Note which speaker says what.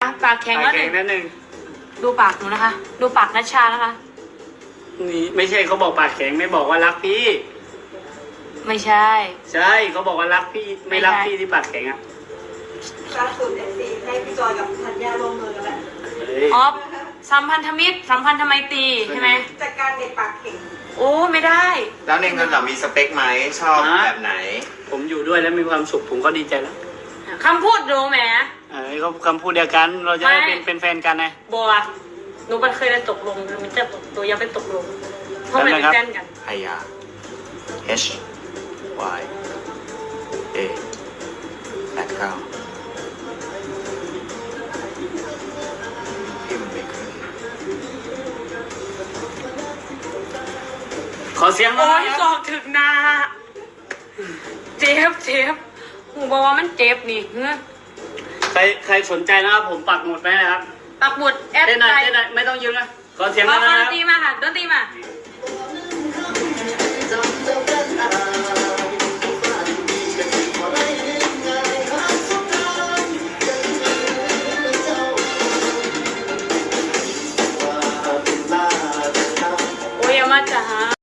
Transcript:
Speaker 1: ปากแข็งแล้ว
Speaker 2: แข็งนั่นหนึ่ง
Speaker 1: ดูปากหนูนะคะ ดูปากนัชชานะคะ
Speaker 2: นี่ไม่ใช่เขาบอกปากแข็งไม่บอกว่ารักพี่
Speaker 1: ไม่ใช่
Speaker 2: ใช่เขาบอกว่ารักพี่ไม่รักพี่ที่ปากแข็งอ่ะ
Speaker 3: ล่าสุดFC ให้พี่จอยกับธัญญาร่วมมือกันแล้ว
Speaker 2: เฮ้ย
Speaker 1: อ๋อสัมพันธมิตรสัมพันธไมตรีใช่ไหม
Speaker 3: จัดการเด็กปากเข่ง
Speaker 1: โอ้ไม่ได้
Speaker 4: แล้วในเงินเรามีสเปคไหมชอบแบบไหน
Speaker 2: ผมอยู่ด้วยแล้วมีความสุขผมก็ดีใจแล้ว
Speaker 1: คำพูดดูแหม
Speaker 2: เขาคำพูดเดียวกันเราจะได้
Speaker 1: ไม่
Speaker 2: เป็นแฟนกันไง
Speaker 1: บัวหนูมันเคยได้ตกลงมันจะตัวยังไม่ตกลงเพราะมันเป็นแฟนกัน
Speaker 4: ไฮยา H Y A 89พี่มันไม่ขึ้น
Speaker 2: ขอเสียงหน่
Speaker 1: โอ้
Speaker 2: อย
Speaker 1: ย
Speaker 2: นะ
Speaker 1: สอกถึกนาเจ็บหูบอกว่ามันเจ็บนี่เฮ้ย
Speaker 2: ใครสนใจนะครับผมปักหมุดไว้นะครับ
Speaker 1: ปักหมุดแอด
Speaker 2: เต้นหน่อย
Speaker 1: ไลน์
Speaker 2: เต้นหน่อยไม่ต้องยืนนะขอเสียง
Speaker 1: ข
Speaker 2: ห
Speaker 1: อ
Speaker 2: น่อย
Speaker 1: ค
Speaker 2: นะ
Speaker 1: น
Speaker 2: ครับ
Speaker 1: ตีมาค่ะดน